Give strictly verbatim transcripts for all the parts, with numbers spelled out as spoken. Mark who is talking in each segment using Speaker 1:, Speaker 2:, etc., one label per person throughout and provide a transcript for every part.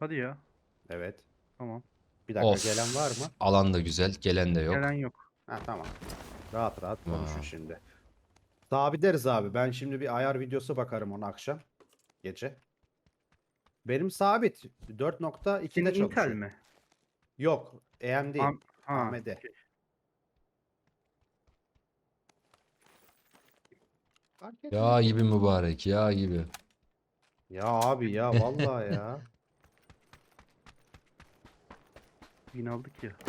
Speaker 1: Hadi ya.
Speaker 2: Evet.
Speaker 1: Tamam.
Speaker 2: Bir dakika,
Speaker 3: Of.
Speaker 2: gelen var mı?
Speaker 3: Alan da güzel. Gelen de yok.
Speaker 1: Gelen yok.
Speaker 2: Ha, tamam. Rahat rahat konuşun
Speaker 3: Aa.
Speaker 2: şimdi. Sabitleriz abi. Ben şimdi bir ayar videosu bakarım ona akşam. Gece. Benim sabit dört nokta ikide
Speaker 1: Senin Intel
Speaker 2: çalışıyor.
Speaker 1: mi?
Speaker 2: Yok. A M D.
Speaker 1: Am ha.
Speaker 2: A M D.
Speaker 1: okey.
Speaker 2: Fark etmez.
Speaker 3: Ya gibi mübarek. Ya gibi.
Speaker 2: Ya abi ya vallahi ya.
Speaker 1: Bin aldık ya.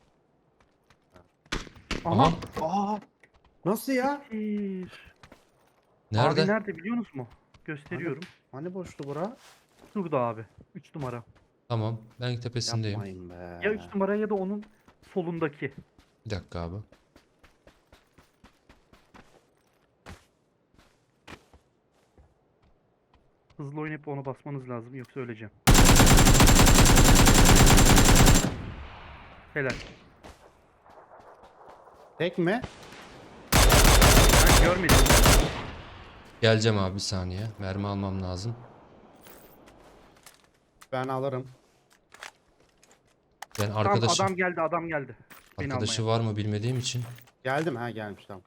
Speaker 3: Aha.
Speaker 2: Aa, nasıl ya?
Speaker 1: Bir.
Speaker 3: Nerede?
Speaker 1: Abi nerede biliyor musunuz mu? Gösteriyorum.
Speaker 2: Hani boştu bura?
Speaker 1: Şurada abi. üç numara.
Speaker 3: Tamam. Ben tepesindeyim.
Speaker 2: Yapmayın be.
Speaker 1: Ya üç numara ya da onun solundaki.
Speaker 3: Bir dakika abi.
Speaker 1: Hızlı oynayıp ona basmanız lazım yoksa öleceğim. Helal.
Speaker 2: Tek mi?
Speaker 1: Ben görmedim.
Speaker 3: Geleceğim abi bir saniye. Mermi almam lazım.
Speaker 2: Ben alırım.
Speaker 3: Ben
Speaker 1: Tam
Speaker 3: arkadaşı
Speaker 1: adam geldi adam geldi. Beni
Speaker 3: arkadaşı
Speaker 1: almaya.
Speaker 3: var mı bilmediğim için.
Speaker 2: Geldim, ha gelmiş tamam.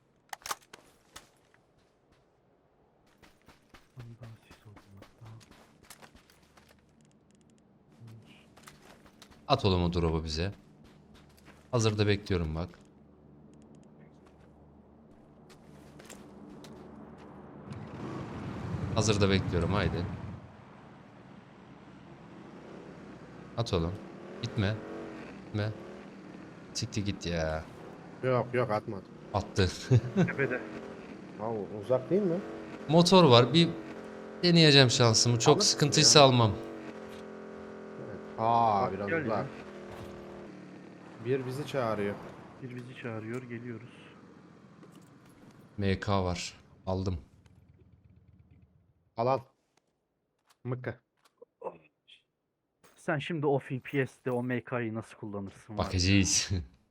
Speaker 3: At oğlum o drop'u bize. Hazırda bekliyorum bak. Hazırda bekliyorum haydi. At oğlum. Gitme. Gitme. Siktir git ya.
Speaker 2: Yok yok, atmadım.
Speaker 3: Attı.
Speaker 1: Tepede.
Speaker 2: Ha, uzak değil mi?
Speaker 3: Motor var. Bir deneyeceğim şansımı. Çok
Speaker 2: Alırsın
Speaker 3: sıkıntıysa
Speaker 2: ya.
Speaker 3: almam.
Speaker 2: Evet. Aa,
Speaker 1: Bak,
Speaker 2: biraz
Speaker 1: gel ya.
Speaker 2: uzak. Bir bizi çağırıyor.
Speaker 1: Bir bizi çağırıyor geliyoruz.
Speaker 3: M K var. Aldım.
Speaker 2: Al al. Mıkkı.
Speaker 1: Sen şimdi o F P S'te o M K'yı nasıl kullanırsın? var ya?
Speaker 3: Bakacağız.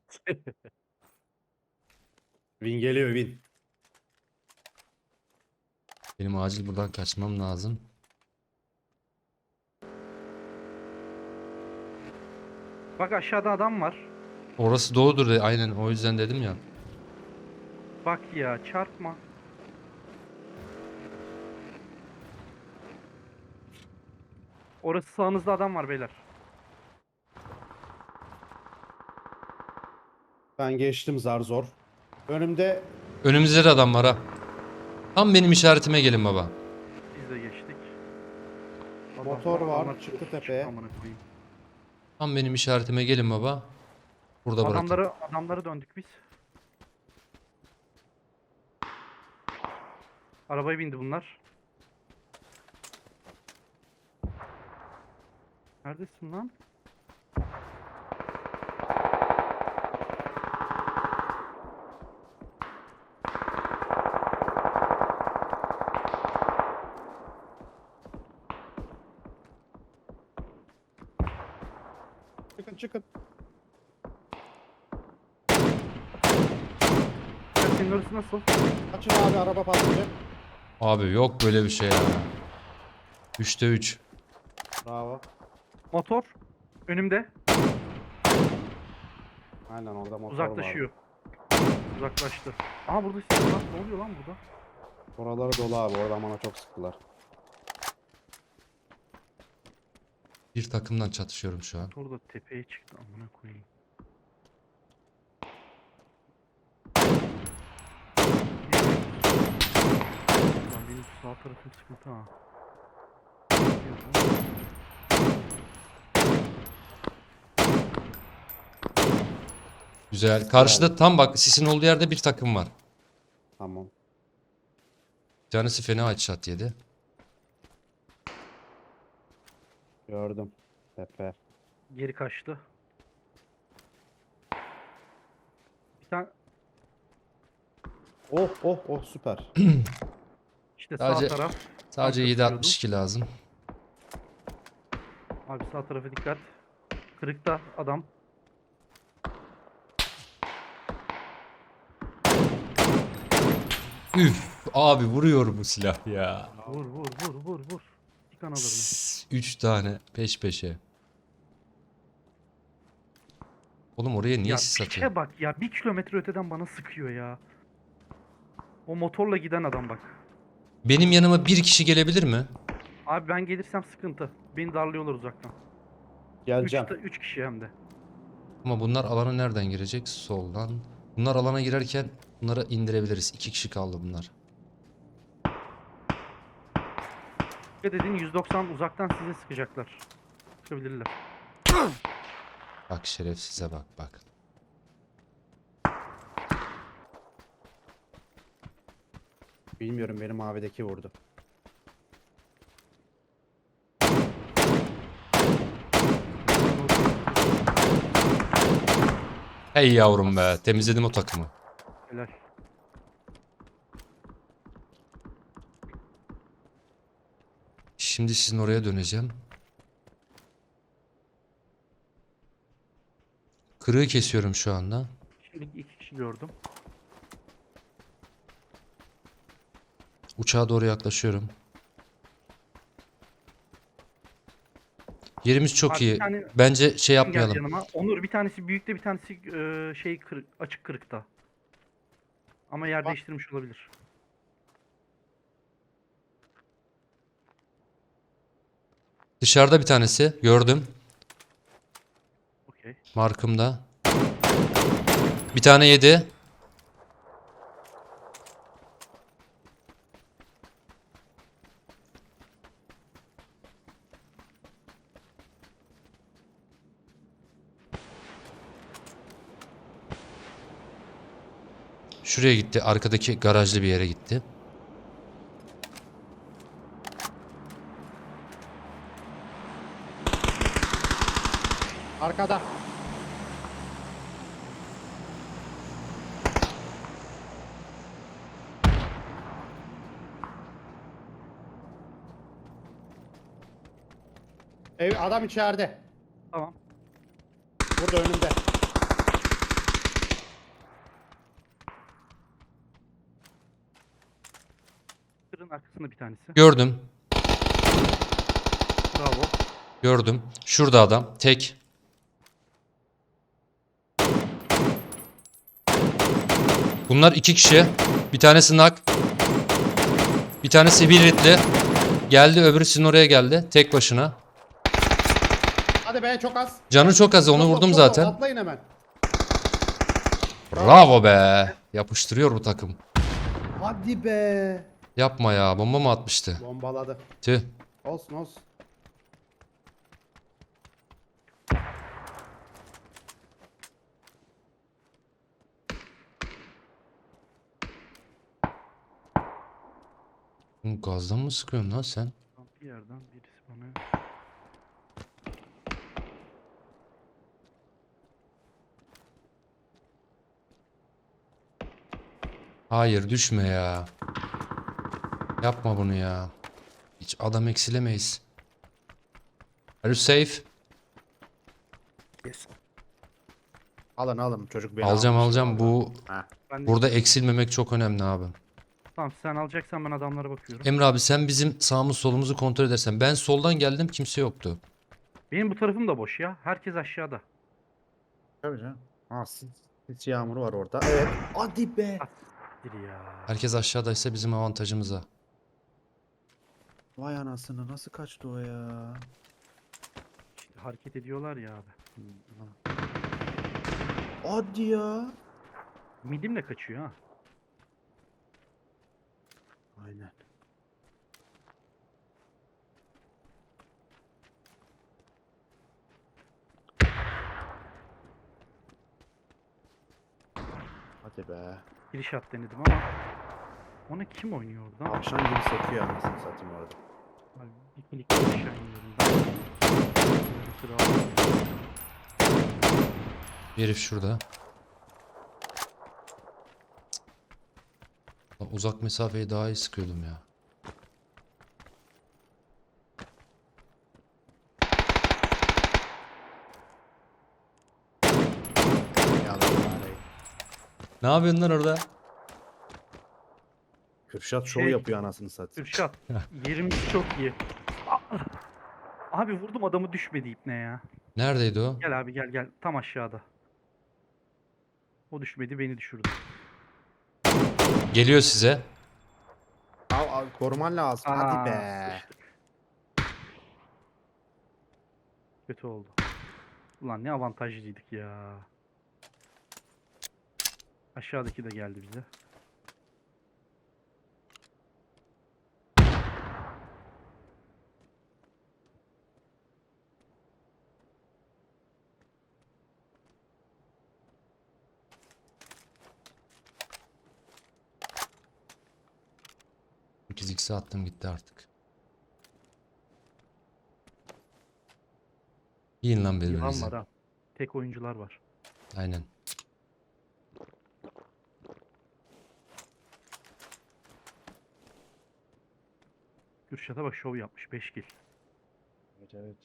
Speaker 2: Win geliyor, win.
Speaker 3: Benim acil buradan kaçmam lazım.
Speaker 1: Bak aşağıda adam var.
Speaker 3: Orası doğudur de aynen o yüzden dedim ya.
Speaker 1: Bak ya çarpma. Orası sağınızda adam var beyler.
Speaker 2: Ben geçtim zar zor. Önümde
Speaker 3: Önümüzde de adam var ha. Tam benim işaretime gelin baba.
Speaker 1: Biz de geçtik.
Speaker 2: Motor var,
Speaker 1: adamlar
Speaker 2: çıktı
Speaker 1: çıktı
Speaker 2: tepeye.
Speaker 1: amına koyayım.
Speaker 3: Tam benim işaretime gelin baba. Burada bırakın.
Speaker 1: Adamları adamları döndük biz. Arabaya bindi bunlar. Neredesin lan?
Speaker 2: çıkın çıkın.
Speaker 1: Ya senin orası nasıl?
Speaker 2: Kaçın abi, araba patlayacak.
Speaker 3: Abi yok böyle bir şey ya. üçte üç.
Speaker 2: Bravo.
Speaker 1: Motor önümde
Speaker 2: Aynen, orada motor
Speaker 1: uzaklaşıyor.
Speaker 2: var.
Speaker 1: Uzaklaştı. Aha burada silah var. Ne oluyor lan burada?
Speaker 2: Oraları dolu abi, orada bana çok sıktılar.
Speaker 3: Bir takımdan çatışıyorum şu an.
Speaker 1: Motor da tepeye çıktı amına koyayım. Lan benim sağ tarafım sıkıntı ha.
Speaker 3: Güzel. Karşıda tam bak sisin olduğu yerde bir takım var.
Speaker 2: Tamam.
Speaker 3: Bir tanesi fena headshot yedi.
Speaker 2: Gördüm. Tepe.
Speaker 1: Geri kaçtı. Bir tane
Speaker 2: Oh oh oh, süper.
Speaker 1: işte
Speaker 3: Sadece-
Speaker 1: sağ taraf.
Speaker 3: Sadece
Speaker 1: Tam
Speaker 3: yedi
Speaker 1: çatışıyordum.
Speaker 3: altmış iki lazım.
Speaker 1: Abi sağ tarafa dikkat. Kırıkta adam.
Speaker 3: Üf abi vuruyor bu silah ya.
Speaker 1: Vur vur vur vur vur. Bir kan alırım.
Speaker 3: Üç tane peş peşe. Oğlum oraya niye
Speaker 1: Ya
Speaker 3: sis atıyor?
Speaker 1: piçe bak ya, bir kilometre öteden bana sıkıyor ya. O motorla giden adam bak.
Speaker 3: Benim yanıma bir kişi gelebilir mi?
Speaker 1: Abi ben gelirsem sıkıntı. Beni darlıyorlar uzaktan.
Speaker 2: Geleceğim.
Speaker 1: üç, üç kişi hem de.
Speaker 3: Ama bunlar alana nereden girecek? Soldan. Bunlar alana girerken bunları indirebiliriz. İki kişi kaldı bunlar.
Speaker 1: Ne dediğin yüz doksan uzaktan size sıkacaklar. Sıkabilirler.
Speaker 3: Bak şerefsize bak bak.
Speaker 2: Bilmiyorum, benim mavideki vurdu.
Speaker 3: Hey yavrum be. Temizledim o takımı.
Speaker 1: Helal.
Speaker 3: Şimdi sizin oraya döneceğim. Kırığı kesiyorum şu anda.
Speaker 1: Şimdi iki kişi gördüm.
Speaker 3: Uçağa doğru yaklaşıyorum. Yerimiz çok
Speaker 1: Abi bir
Speaker 3: iyi.
Speaker 1: tane
Speaker 3: Bence şey
Speaker 1: gel
Speaker 3: yapmayalım.
Speaker 1: yanıma. Onur, bir tanesi büyükte, bir tanesi e, şey kırık, açık kırıkta. Ama yer
Speaker 2: Bak.
Speaker 1: değiştirmiş olabilir.
Speaker 3: Dışarıda bir tanesi. Gördüm.
Speaker 1: Okey.
Speaker 3: Markımda. Bir tane yedi. Şuraya gitti. Arkadaki garajlı bir yere gitti.
Speaker 2: Arkada. Ev adam içeride.
Speaker 1: Tamam.
Speaker 2: Burada önümde.
Speaker 1: Kırın arkasında bir tanesi.
Speaker 3: Gördüm.
Speaker 1: Bravo.
Speaker 3: Gördüm. Şurada adam. Tek. Bunlar iki kişi. Bir tanesi nak. Bir tanesi bir ritli. Geldi, öbürü sizin oraya geldi. Tek başına.
Speaker 2: Hadi be, çok az.
Speaker 3: Canı çok az. Onu
Speaker 2: Çok az,
Speaker 3: vurdum
Speaker 2: çok az.
Speaker 3: zaten.
Speaker 2: Atlayın hemen.
Speaker 3: Bravo be. Yapıştırıyor bu takım.
Speaker 2: Hadi be.
Speaker 3: Yapma ya. Bomba mı atmıştı?
Speaker 2: Bombaladı.
Speaker 3: Tüh.
Speaker 2: Olsun olsun.
Speaker 3: Oğlum gazdan mı sıkıyorsun lan sen?
Speaker 1: Bir yerden birisi bana...
Speaker 3: Hayır, düşme ya. Yapma bunu ya. Hiç adam eksilemeyiz. Are you safe?
Speaker 2: Alın alın, çocuk beni
Speaker 3: Alacağım
Speaker 2: almış
Speaker 3: alacağım.
Speaker 2: vallahi.
Speaker 3: Bu
Speaker 2: Ha.
Speaker 1: Ben de...
Speaker 3: burada eksilmemek çok önemli abi.
Speaker 1: Tamam, sen alacaksan ben adamlara bakıyorum.
Speaker 3: Emre abi sen bizim sağımız solumuzu kontrol edersen. Ben soldan geldim, kimse yoktu.
Speaker 1: Benim bu tarafım da boş ya. Herkes aşağıda.
Speaker 2: Tabii canım. Ha, sis, sis yağmuru var orada. Evet. Hadi be.
Speaker 1: Biri ya.
Speaker 3: Herkes aşağıdaysa bizim avantajımıza.
Speaker 2: Vay anasını, nasıl kaçtı o ya?
Speaker 1: İşte hareket ediyorlar ya abi.
Speaker 2: Hadi ya.
Speaker 1: Midimle kaçıyor ha.
Speaker 2: Aynen. Hadi be.
Speaker 1: Giriş at denedim ama. Ona kim oynuyor oradan?
Speaker 2: Akşam gibi sekiyor anasını satayım orada.
Speaker 1: Abi bir klik aşağı iniyorum ben. Bir sıra aldım.
Speaker 3: Bir herif şurada. Lan uzak mesafeyi daha iyi sıkıyordum ya. Ne yapıyorsun lan orada?
Speaker 2: Kürşat şov
Speaker 1: Şey-
Speaker 2: yapıyor anasını satayım.
Speaker 1: Kürşat. Yerimiz çok iyi. Aa! Abi vurdum adamı, düşmedi ipne ya.
Speaker 3: Neredeydi o?
Speaker 1: Gel abi gel gel. Tam aşağıda. O düşmedi, beni düşürdü.
Speaker 3: Geliyor size.
Speaker 2: Al, al, koruman lazım.
Speaker 1: Aa,
Speaker 2: Hadi be.
Speaker 1: sıçtık. Kötü oldu. Ulan ne avantajlıydık ya. Aşağıdaki de geldi bize.
Speaker 3: sekiz x'e attım gitti artık. Yiyin lan
Speaker 1: Yılan
Speaker 3: birbirinizi.
Speaker 1: var ha. Tek oyuncular var.
Speaker 3: Aynen.
Speaker 1: Kürşat'a bak şov yapmış. beş kill.
Speaker 2: Evet evet.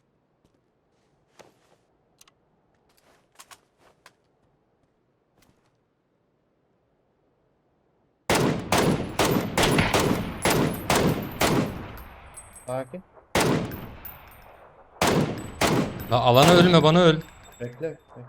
Speaker 2: Sakin.
Speaker 3: La alana ölme bana öl.
Speaker 2: Bekle. bekle.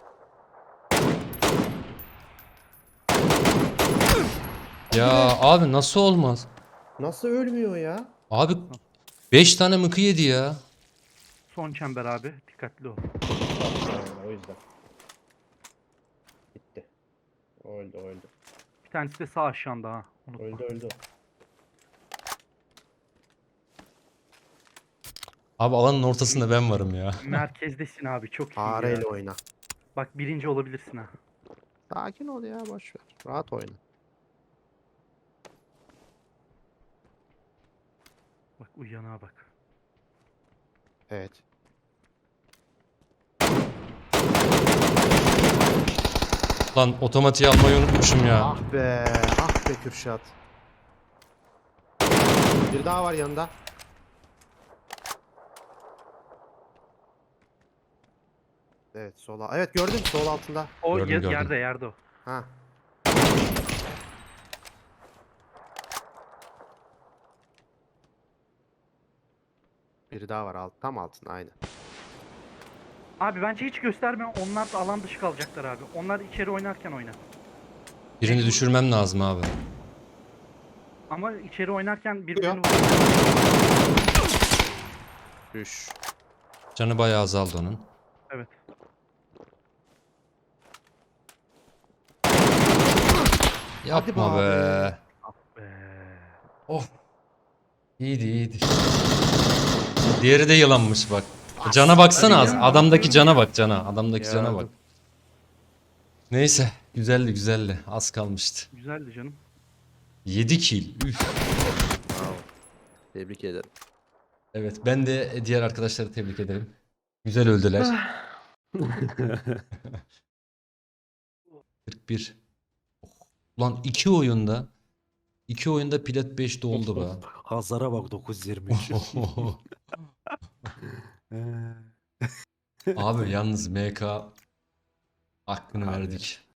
Speaker 3: Ya abi nasıl olmaz?
Speaker 2: Nasıl ölmüyor ya?
Speaker 3: Abi beş tane mıkı yedi ya.
Speaker 1: Son çember abi. Dikkatli ol.
Speaker 2: O yüzden. Gitti. O öldü o öldü.
Speaker 1: Bir tanesi de sağ aşağında ha. Unutma.
Speaker 2: Öldü öldü.
Speaker 3: Abi alanın ortasında ben varım ya.
Speaker 1: Merkezdesin abi. Çok iyi ya.
Speaker 2: Fareyle oyna.
Speaker 1: Bak birinci olabilirsin ha.
Speaker 2: Sakin ol ya boş ver. Rahat oyna.
Speaker 1: Bak uyanağa bak.
Speaker 2: Evet.
Speaker 3: Lan otomatiği almayı unutmuşum ya.
Speaker 2: Ah be, ah be Kürşat. Bir daha var yanında. Evet sola. Evet gördüm sol altında.
Speaker 1: O
Speaker 3: Gördüm,
Speaker 1: yer-
Speaker 3: gördüm.
Speaker 1: yerde yerde o.
Speaker 2: Ha. Biri daha var alt, tam altında aynı.
Speaker 1: Abi bence hiç gösterme. Onlar da alan dışı kalacaklar abi. Onlar içeri oynarken oyna.
Speaker 3: Birini düşürmem lazım abi.
Speaker 1: Ama içeri oynarken
Speaker 2: Ya.
Speaker 1: birbirini
Speaker 2: Düş.
Speaker 3: Canı bayağı azaldı onun.
Speaker 1: Evet.
Speaker 3: Yapma
Speaker 2: be
Speaker 3: be.
Speaker 2: abi.
Speaker 1: Be.
Speaker 3: Of. İyiydi iyiydi. Diğeri de yılanmış bak. Cana baksana
Speaker 2: Hadi
Speaker 3: az.
Speaker 2: ya.
Speaker 3: Adamdaki cana bak cana. Adamdaki cana bak.
Speaker 2: Gördüm.
Speaker 3: Neyse. Güzeldi güzeldi. Az kalmıştı.
Speaker 1: Güzeldi canım.
Speaker 3: yedi kill. Üf.
Speaker 2: Bravo. Tebrik ederim.
Speaker 3: Evet ben de diğer arkadaşları tebrik ederim. Güzel öldüler. kırk bir. Oh. Ulan iki oyunda iki oyunda plat beş doldu be.
Speaker 2: Hazara bak dokuz yirmi üç.
Speaker 3: Abi yalnız M K hakkını
Speaker 2: Abi.
Speaker 3: verdik.